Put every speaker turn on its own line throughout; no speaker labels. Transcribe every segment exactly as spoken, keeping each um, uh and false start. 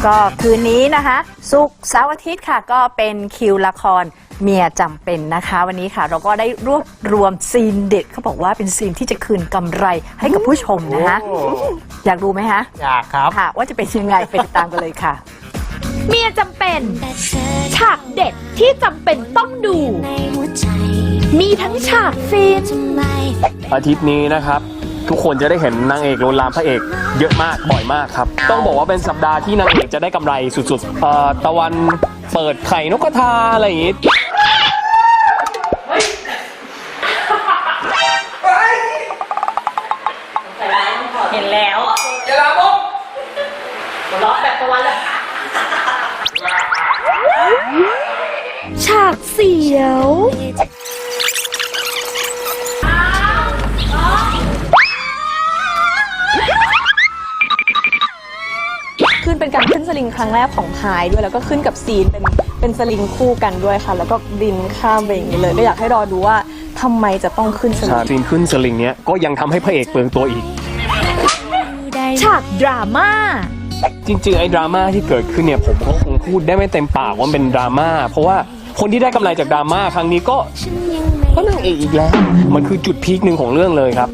ก็คืนนี้นะคะศุกร์เสาร์อาทิตย์ค่ะก็เป็นคิวละครเมียจำเป็นนะคะวันนี้ค่ะเราก็ได้รวบรวมซีนเด็ดเขาบอกว่าเป็นซีนที่จะคืนกำไรให้กับผู้ชมนะคะอยากรู้ไหมคะ
อยากครับ
ค่ะว่าจะเป็นยังไงไปติดตามกันเลยค่ะ
เมียจำเป็นฉากเด็ดที่จำเป็นต้องดู มีทั้งฉากฟิน
อาทิตย์นี้นะครับทุกคนจะได้เห็นนางเอกโลวนลามพระเอกเยอะมากบ่อยมากครับต้องบอกว่าเป็นสัปดาห์ที่นางเอกจะได้กำไรสุดๆเอ่อตะวันเปิดไข่นกกระทาอะไรอย่างงี้
เห็นแล้วอย่าลาบุกล็อกแบบตะวันเลยฉากเสียว
ขึ้นเป็นการขึ้นสลิงครั้งแรกของพายด้วยแล้วก็ขึ้นกับซีนเป็นเป็นสลิงคู่กันด้วยค่ะแล้วก็บินข้ามไปอย่างนี้เลยก็อยากให้รอดูว่าทำไมจะต้องขึ้นสลิง
ซีนขึ้นสลิงเนี้ยก็ยังทำให้พระเอกเปลืองตัวอีก
ฉากดราม่า
จริงๆไอ้ดราม่าที่เกิดขึ้นเนี่ยผมก็คงพูดได้ไม่เต็มปากว่ามันเป็นดราม่าเพราะว่าคนที่ได้กำไรจากดราม่าครั้งนี้ก็ก็นางเอกอีกแล้วมันคือจุดพีคหนึ่งของเรื่องเลยครับ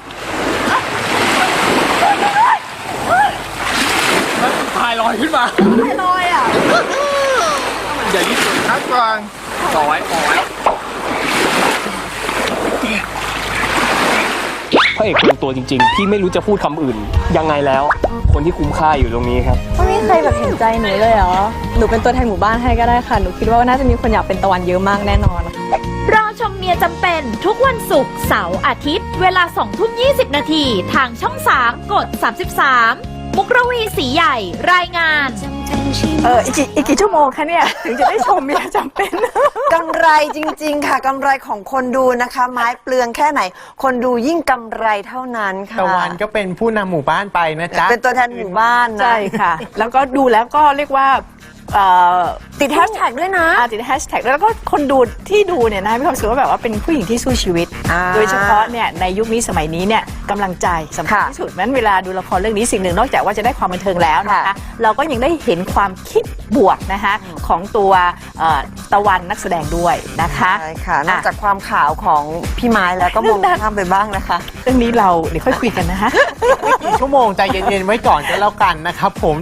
พายลอยขึ้นมาพายลอยอ่ะอย่ารีบทักก่อนต่อไว้ต่อไว้พระเอกเป็นตัวจริงๆพี่ไม่รู้จะพูดคำอื่นยังไงแล้วคนที่คุ้มค่าอยู่ตรงนี้ครับ
ไม่มีใครแบบเห็นใจหนูเลยเหรอหนูเป็นตัวแทนหมู่บ้านให้ก็ได้ค่ะหนูคิดว่าน่าจะมีคนอยากเป็นตะวันเยอะมากแน่นอน
รอชมเมียจำเป็นทุกวันศุกร์เสาร์อาทิตย์เวลาสองทุ่มยี่สิบนาทีทางช่องสามกดสามสิบสามมุกระวีสีใหญ่รายงาน
เอออีกกี่อีกกี่ชั่วโมงคะเนี่ยถึงจะได้ชมเมียจำเป็น
กำไรจริงๆค่ะกำไรของคนดูนะคะ ไม้เปลืองแค่ไหน คนดูยิ่งกำไรเท่านั้นค่ะ
ตะวันก็เป็นผู้นำหมู่บ้านไปนะจ๊ะ
เป็นตัวแทนหมู่บ้านนะ
ใช่ค่ะ แล้วก็ดูแล้วก็เรียกว่าติดแฮชแท็กด้วยนะติดแฮชแท็กแล้วก็คนดูที่ดูเนี่ยนะมีความรู้สึกว่าแบบว่าเป็นผู้หญิงที่สู้ชีวิต โดยเฉพาะเนี่ยในยุคนี้สมัยนี้เนี่ยกำลังใจสำคัญที่สุดนั้นเวลาดูละครเรื่องนี้สิ่งหนึ่งนอกจากว่าจะได้ความบันเทิงแล้วนะคะเราก็ยังได้เห็นความคิดบวกนะคะของตัวตะวันนักแสดงด้วยนะคะ
ใช่ค่ะนอกจากความขาวของพี่ไม้แล้วก็มองข้ามไปบ้างนะคะ
เรื่องนี้เราเดี๋ยวค่อยคุยกันนะคะ
ไม่กี่ชั่วโมงใจเย็นๆไว้ก่อนก็แล้วกันนะครับผม